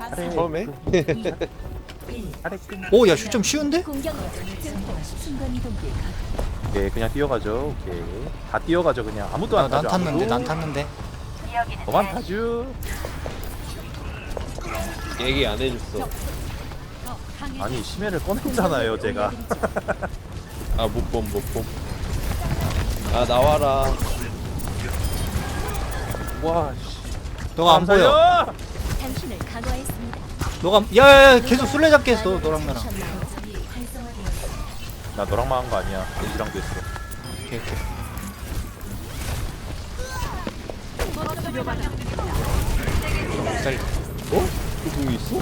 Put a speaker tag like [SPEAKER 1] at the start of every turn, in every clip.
[SPEAKER 1] 처음에?
[SPEAKER 2] 오, 야, 슛 좀 쉬운데?
[SPEAKER 3] 오케이 그냥 뛰어가죠. 오케이 다 뛰어가죠. 그냥 아무도 안
[SPEAKER 2] 난
[SPEAKER 3] 타죠.
[SPEAKER 2] 탔는데,
[SPEAKER 3] 아무도.
[SPEAKER 2] 난 탔는데.
[SPEAKER 3] 너만 타죠.
[SPEAKER 1] 얘기 안 해줬어.
[SPEAKER 3] 아니 심해를 꺼냈잖아요 제가.
[SPEAKER 1] 아, 못 봄. 아, 나와라.
[SPEAKER 3] 와 씨.
[SPEAKER 2] 너가 안 보여.
[SPEAKER 3] 살려!
[SPEAKER 4] 당신을 강화했습니다.
[SPEAKER 2] 너가, 야, 계속 술래잡기 했어, 너랑 나랑.
[SPEAKER 3] 나 너랑만 한 거 아니야. 애기랑도 했어.
[SPEAKER 2] 오케이, 오케이. 쌀.
[SPEAKER 1] 어? 그 궁이 있어?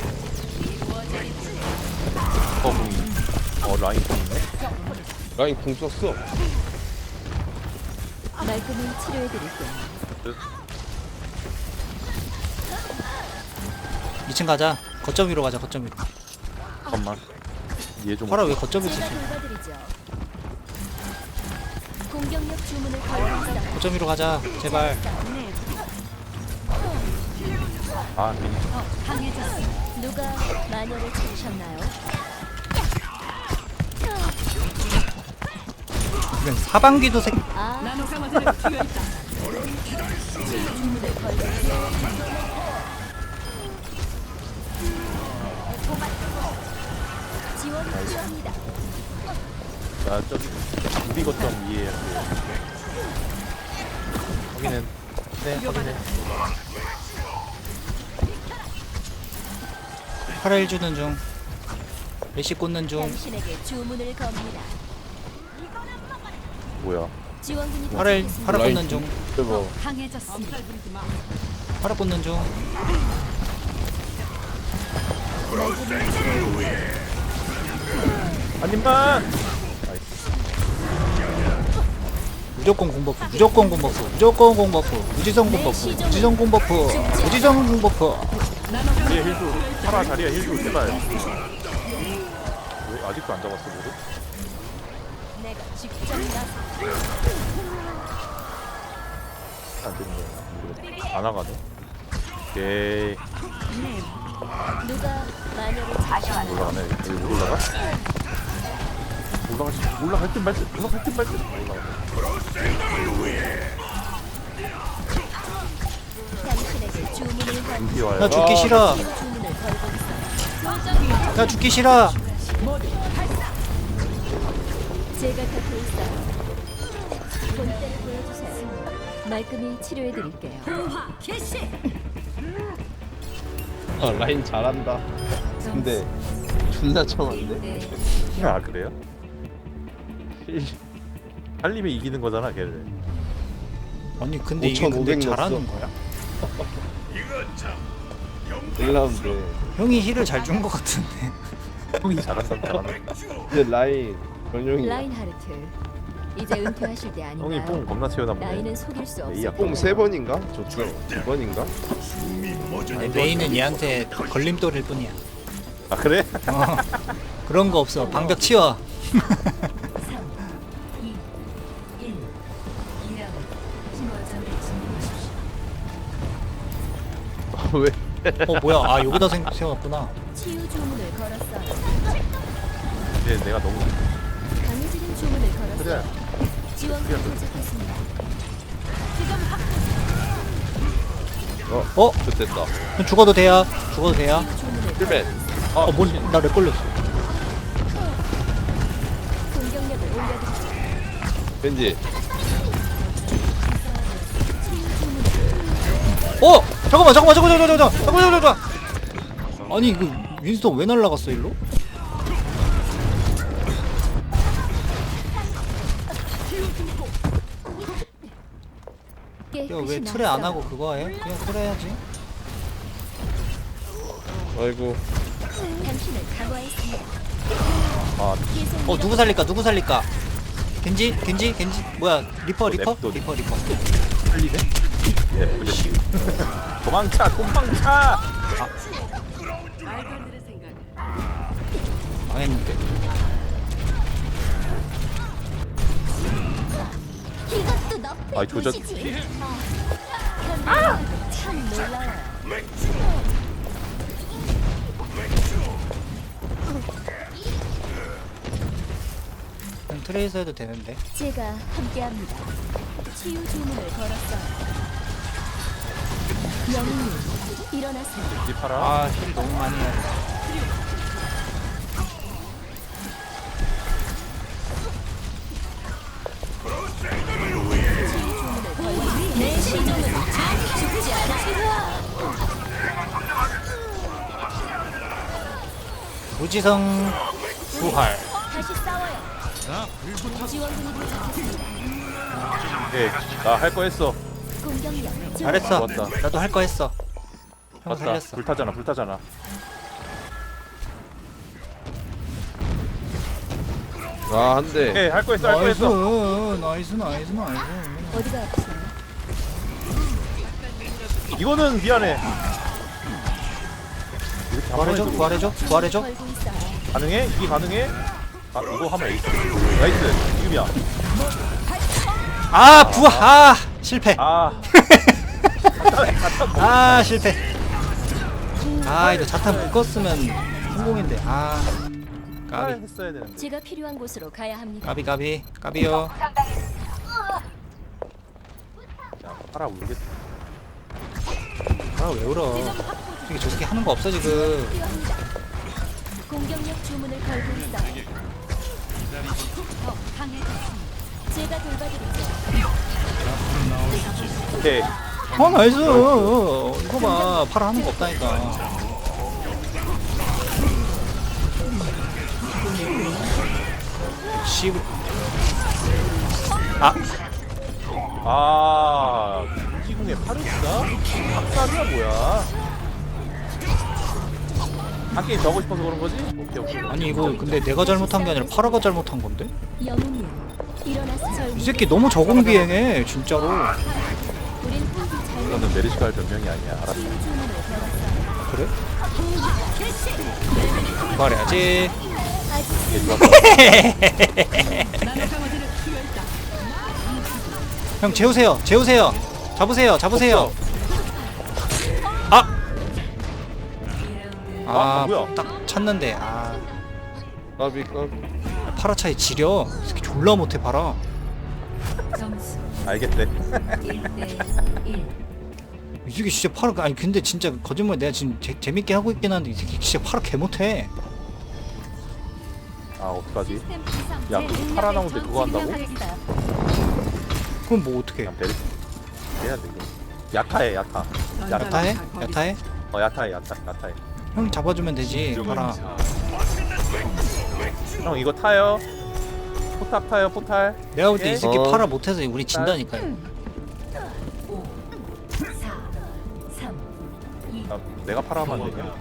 [SPEAKER 3] 공이. 라인 공이네.
[SPEAKER 1] 라인 궁 썼어.
[SPEAKER 4] 말끔히 치료해드릴게요.
[SPEAKER 2] 2층 가자. 거점 위로 가자, 거점 위로.
[SPEAKER 3] 잠깐만. 얘 좀.
[SPEAKER 2] 파라 왜 거점 위로
[SPEAKER 4] 제가
[SPEAKER 2] 있어?
[SPEAKER 4] 돌봐드리죠. 공격력 주문을 걸고 있어.
[SPEAKER 2] 거점 위로 가자, 제발.
[SPEAKER 3] 아 미니.
[SPEAKER 4] 누가 마녀를 찾으셨나요?
[SPEAKER 2] 이건 사방귀도 색.
[SPEAKER 4] 아, 지원 필요합니다.
[SPEAKER 3] 나 저기 우리 거점 위에. 확인해. 네 확인해.
[SPEAKER 2] 파라 1 주는 중. 레시 꽂는 중.
[SPEAKER 4] 당신에게 주문을 겁니다.
[SPEAKER 3] 뭐야?
[SPEAKER 4] 지원군이
[SPEAKER 2] 파라
[SPEAKER 4] 도착했습니다.
[SPEAKER 2] 꽂는 중.
[SPEAKER 1] 대박.
[SPEAKER 4] 강해졌습니다.
[SPEAKER 2] 파라 꽂는 중.
[SPEAKER 3] 한 입만.
[SPEAKER 2] 무조건 공버프, 무조건 공버프, 무조건 공버프, 무지성 공버프, 무지성 공버프, 무지성 공버프.
[SPEAKER 3] 자리야 힐주. 파라 자리야 힐주 제발. 왜 아직도 안 잡았어 모두?
[SPEAKER 4] 내가 직접 나서
[SPEAKER 3] 안 되는 거야. 모르겠다. 안 나가네. 오케이.
[SPEAKER 4] 누가 마녀를 찾으셨나요?
[SPEAKER 3] 올라가네. 여기 못 올라가? 올라갈 듯 말 듯. 올라갈 듯 말 듯. 올라가.
[SPEAKER 4] 당신에게 주문을 건
[SPEAKER 3] 눈피 와요.
[SPEAKER 2] 나 죽기 싫어.
[SPEAKER 4] 주문을 걸고 있어.
[SPEAKER 2] 나 죽기 싫어.
[SPEAKER 4] 제가 곁에 있어요. 본때를 보여주세요. 말끔히 치료해드릴게요.
[SPEAKER 1] 아, 라인 잘한다. 근데 존나 참한데?
[SPEAKER 3] 아 그래요? 살림에 이기는 거잖아 걔를.
[SPEAKER 2] 아니 근데 이게 근데
[SPEAKER 1] 5,500
[SPEAKER 2] 잘하는
[SPEAKER 1] 넣었어.
[SPEAKER 2] 거야?
[SPEAKER 1] 1라운드.
[SPEAKER 2] 형이 힐을 잘 준 것 같은데.
[SPEAKER 3] 형이 잘한다 잘한다.
[SPEAKER 1] 근데 라인 전용이야.
[SPEAKER 4] 라인하르트, 이제 은퇴하실 때
[SPEAKER 3] 형이
[SPEAKER 4] 아닌가요?
[SPEAKER 3] 뽕 겁나 채우나 보네.
[SPEAKER 4] 나이는 속일 수
[SPEAKER 3] 에이야,
[SPEAKER 4] 없어요.
[SPEAKER 1] 뽕 3번인가? 저쪽 2번인가?
[SPEAKER 2] 아니, 메인은 얘한테 걸림돌일 뿐이야.
[SPEAKER 3] 아 그래?
[SPEAKER 2] 어, 그런 거 없어. 방벽 치워.
[SPEAKER 1] 왜?
[SPEAKER 2] 뭐야? 아 여기다 세워놨구나.
[SPEAKER 4] 치유 주문을 걸었어요.
[SPEAKER 3] 이제 내가 너무
[SPEAKER 4] 강해지는 주문을 걸었어요.
[SPEAKER 3] 그래.
[SPEAKER 4] 지원군이 도착했습니다.
[SPEAKER 1] 좋됐다.
[SPEAKER 2] 그럼 죽어도 돼야. 죽어도 돼야.
[SPEAKER 4] 주문을
[SPEAKER 1] 1맨.
[SPEAKER 2] 나렉 걸렸어.
[SPEAKER 4] 공격력을 올려드리죠.
[SPEAKER 1] 벤지.
[SPEAKER 2] 잠깐만. 아니 이거 윈스턴 왜 날라갔어 일로? 야 왜 트레 안 하고 그거 해? 그냥 트레 해야지.
[SPEAKER 1] 아이고.
[SPEAKER 4] 당신을 강화했습니다.
[SPEAKER 3] 아
[SPEAKER 2] 누구 살릴까? 겐지 뭐야? 리퍼.
[SPEAKER 3] 냅둬. 살리네? 예 그렇지. 도망차.
[SPEAKER 2] 망했는데.
[SPEAKER 4] 이것도 너프의
[SPEAKER 3] 아이, 조작-
[SPEAKER 4] 도시지. 참 놀라워요.
[SPEAKER 2] 트레이서 해도 되는데.
[SPEAKER 4] 제가 함께합니다. 치유 주문을 걸었어요. 영웅님, 일어나세요.
[SPEAKER 3] 이 팔아.
[SPEAKER 2] 아, 힐 너무 많이 해야 돼.
[SPEAKER 4] 내 시종은 죽지 않아.
[SPEAKER 2] 무지성 부활.
[SPEAKER 4] 다시 싸워요. 지원군이 도착했습니다.
[SPEAKER 3] 네, 나 할 거 했어.
[SPEAKER 4] 공격력
[SPEAKER 2] 잘했어.
[SPEAKER 3] 좋았다.
[SPEAKER 2] 나도 할 거 했어. 형
[SPEAKER 3] 맞다.
[SPEAKER 2] 살렸어.
[SPEAKER 3] 불타잖아, 불타잖아.
[SPEAKER 1] 아, 한 대.
[SPEAKER 3] 네, 할 거 했어, 할 거
[SPEAKER 2] 나이스,
[SPEAKER 3] 했어.
[SPEAKER 2] 나이스, 나이스, 나이스.
[SPEAKER 4] 어디가 아프세요?
[SPEAKER 3] 이거는 미안해. 이렇게
[SPEAKER 2] 부활해줘,
[SPEAKER 3] 한번
[SPEAKER 2] 부활해줘, 부활해줘.
[SPEAKER 4] 걸고 있어요.
[SPEAKER 3] 가능해? 이게 가능해? 아, 이거 하면 에이스. 나이스. 지금이야.
[SPEAKER 2] 아, 부활, 아, 실패.
[SPEAKER 3] 아.
[SPEAKER 2] 아, 실패. 아, 이거 자탄 묶었으면 성공인데. 아, 까비,
[SPEAKER 3] 했어야 되는데.
[SPEAKER 4] 제가 필요한 곳으로 가야 합니다.
[SPEAKER 2] 까비, 까비, 까비요.
[SPEAKER 3] 야, 팔아 울겠다.
[SPEAKER 2] 아, 왜 울어? 이게 저 새끼 하는 거 없어 지금.
[SPEAKER 4] 필요합니다. 공격력 주문을 걸고 있어요. 더 강해졌습니다. 제가 돌봐드리죠.
[SPEAKER 3] 오케이.
[SPEAKER 2] 아, 나이스. 이거 봐, 팔아 하는 거 없다니까. 씨. 아,
[SPEAKER 3] 아, 김지궁의 파르스가? 박살이야 뭐야? 한 게임 더 하고 싶어서 그런 거지? 오케이 오케이.
[SPEAKER 2] 아니 이거 근데 내가 잘못한 게 아니라 파라가 잘못한 건데?
[SPEAKER 4] 영웅님, 일어나서
[SPEAKER 2] 이 새끼 너무 저공비행해 진짜로.
[SPEAKER 4] 우린 혼자 잘
[SPEAKER 3] 이거는 메르시카 할 변명이 아니야. 알았어.
[SPEAKER 4] 치유 주문을 걸었어요.
[SPEAKER 2] 그래? 말해야지.
[SPEAKER 4] 아직
[SPEAKER 3] 이게
[SPEAKER 4] 쓸
[SPEAKER 3] 좋았다.
[SPEAKER 2] 형 재우세요, 재우세요. 잡으세요, 잡으세요. 아, 아,
[SPEAKER 3] 뭐야?
[SPEAKER 2] 딱 찾는데. 아,
[SPEAKER 1] 까비, 까비.
[SPEAKER 2] 파라 차이 지려. 이 새끼 졸라 못해 파라.
[SPEAKER 4] 점수
[SPEAKER 3] 알겠대.
[SPEAKER 4] 1대1.
[SPEAKER 2] 이 새끼 진짜 파라. 아니 근데 진짜 거짓말. 내가 지금 재밌게 하고 있긴 한데 이 새끼 진짜 파라 개 못해.
[SPEAKER 3] 아 어떡하지?
[SPEAKER 4] 시스템 이상
[SPEAKER 3] 야,
[SPEAKER 4] 제
[SPEAKER 3] 그거
[SPEAKER 4] 능력을
[SPEAKER 3] 살아나오는데 그거 한다고?
[SPEAKER 4] 증명하겠어요.
[SPEAKER 2] 그럼 뭐 어떻게?
[SPEAKER 3] 그냥 베르시 해야 돼 이거. 야타해 야타.
[SPEAKER 2] 야타해? 야타해?
[SPEAKER 3] 야타해 야타해.
[SPEAKER 2] 형 잡아주면 되지 파라.
[SPEAKER 3] 형 이거 타요. 포탑 타요 포탈.
[SPEAKER 2] 내가 볼 때 이 새끼
[SPEAKER 1] 어.
[SPEAKER 2] 파라 못해서 우리 진다니까요.
[SPEAKER 4] 5, 4, 3, 2,
[SPEAKER 3] 아, 내가 팔아만 되냐?
[SPEAKER 4] 3,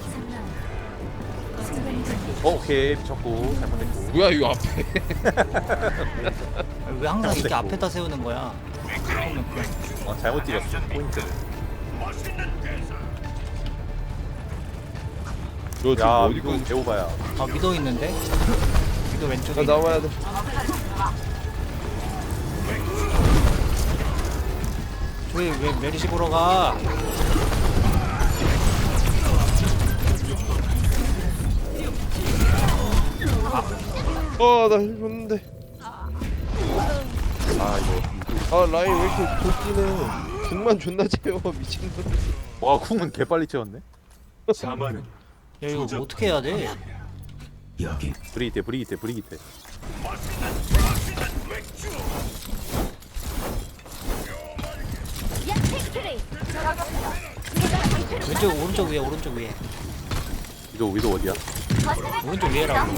[SPEAKER 4] 순간 준비.
[SPEAKER 3] 오케이 미쳤고 잘못했고.
[SPEAKER 1] 뭐야, 이거 앞에.
[SPEAKER 2] 왜 항상 이렇게
[SPEAKER 3] 됐고.
[SPEAKER 2] 앞에다 세우는 거야?
[SPEAKER 3] 잘못 찍었어 포인트를.
[SPEAKER 1] 너 지금
[SPEAKER 3] 야
[SPEAKER 1] 어디
[SPEAKER 3] 이거
[SPEAKER 1] 거
[SPEAKER 3] 배워봐야.
[SPEAKER 2] 아 미도 있는데? 미도 왼쪽에.
[SPEAKER 1] 나 나와야 돼.
[SPEAKER 2] 왜 메리시 보러 가?
[SPEAKER 1] 나 줬는데.
[SPEAKER 3] 아 이거.
[SPEAKER 1] 아, 라인 왜 이렇게 돌기네. 등만 존나 채워, 미친놈.
[SPEAKER 3] 와 궁은 개 빨리 채웠네.
[SPEAKER 2] 야 이거 뭐 어떻게 해야 돼?
[SPEAKER 3] 브리기테.
[SPEAKER 4] 야, 택트레이.
[SPEAKER 2] 왼쪽 오른쪽 위에 오른쪽 위에
[SPEAKER 3] 위도 어디야?
[SPEAKER 2] 오른쪽 위에라고.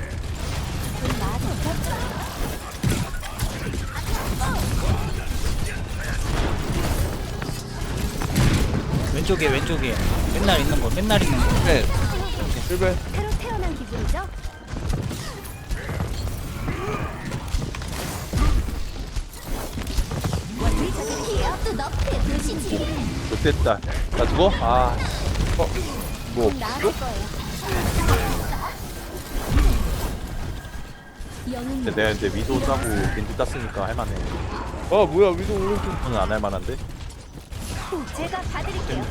[SPEAKER 2] 왼쪽에 왼쪽에 맨날 있는 거 맨날 있는 거.
[SPEAKER 1] 네. 실패.
[SPEAKER 4] 새로 태어난 기분이죠? 기억도 너프에 드시지.
[SPEAKER 3] 좋됐다. 나 죽어? 아
[SPEAKER 1] 뭐,
[SPEAKER 4] 나을 거예요. 영웅님,
[SPEAKER 3] 근데 내가 이제 위도 따고 겐지 땄으니까 할만해.
[SPEAKER 1] 뭐야, 위도 오른쪽.
[SPEAKER 3] 저는 안 할만한데?
[SPEAKER 4] 제가 봐드릴게요.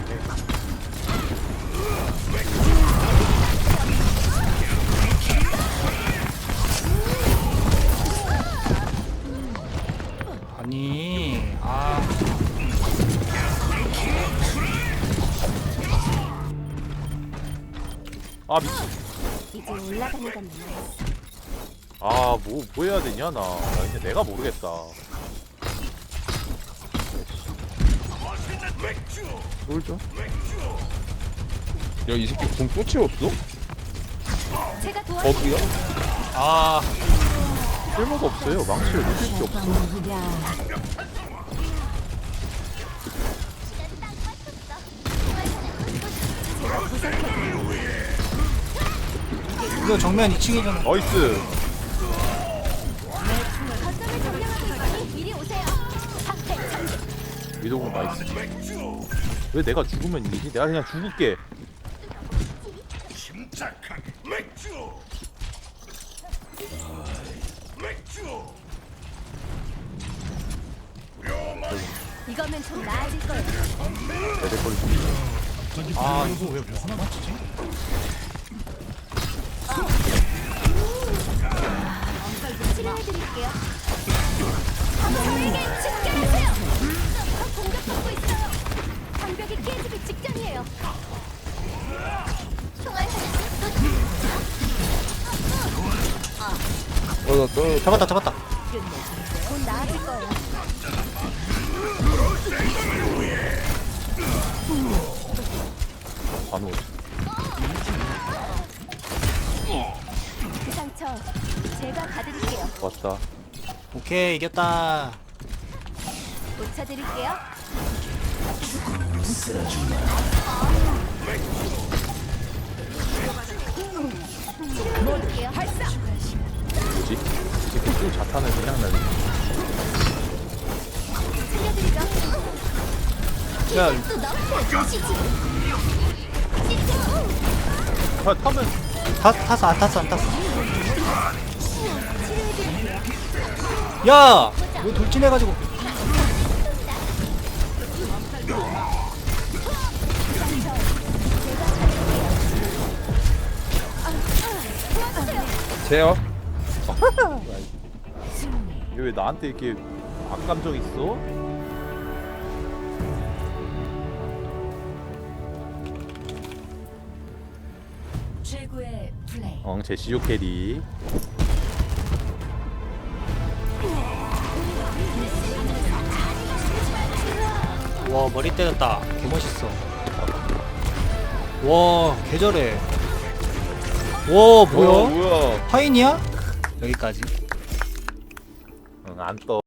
[SPEAKER 3] 아 미친.
[SPEAKER 4] 이제 올라가는 건 남았어.
[SPEAKER 3] 뭐 해야 되냐 나 이제 내가 모르겠다.
[SPEAKER 1] 쫄죠? 야, 이 새끼 궁또 채웠어?
[SPEAKER 4] 제가 도와드릴게요.
[SPEAKER 1] 버그야?
[SPEAKER 2] 아
[SPEAKER 3] 쓸모가 없어요. 망치를 누릴 게 없어.
[SPEAKER 2] 이거 정면 2층이잖아.
[SPEAKER 3] 나이스.
[SPEAKER 4] 거점을 점령하고 있으니 이리 오세요. 방패 장식.
[SPEAKER 3] 위도공 나이스. 왜 내가 죽으면 이기지? 내가 그냥 죽을게.
[SPEAKER 4] 이거면 좀 나아질 거예요.
[SPEAKER 3] 내대걸 죽이네.
[SPEAKER 2] 아 이거 왜 못 맞추지?
[SPEAKER 4] 치료해드릴게요. 저에게 집결하세요. 저 공격받고 있어요. 장벽이 깨지기 직전이에요. 총알
[SPEAKER 1] 나 떨어.
[SPEAKER 2] 잡았다.
[SPEAKER 4] 곧 나아질 거예요.
[SPEAKER 3] 반호.
[SPEAKER 4] 그 상처 제가 가드릴게요.
[SPEAKER 3] 왔다.
[SPEAKER 2] 오케이 이겼다.
[SPEAKER 4] 고쳐드릴게요. 치료해드릴게요. 발사.
[SPEAKER 3] 뭐지? 지금 또 자탄을 그냥 날리네.
[SPEAKER 4] 살려드리죠.
[SPEAKER 2] 야
[SPEAKER 4] 또 너무 조시지.
[SPEAKER 3] 타면
[SPEAKER 2] 탔어 안 탔어.
[SPEAKER 4] 치료해드릴게요.
[SPEAKER 2] 야! 왜 돌진해가지고
[SPEAKER 1] 제어?
[SPEAKER 3] 얘 왜 나한테 이렇게 악감정 있어?
[SPEAKER 4] 최고의 플레이.
[SPEAKER 3] 제시오 캐리.
[SPEAKER 2] 와 머리 때렸다. 개멋있어. 와 개잘해. 와 뭐야?
[SPEAKER 1] 뭐야?
[SPEAKER 2] 파인이야? 여기까지.
[SPEAKER 3] 안 떠.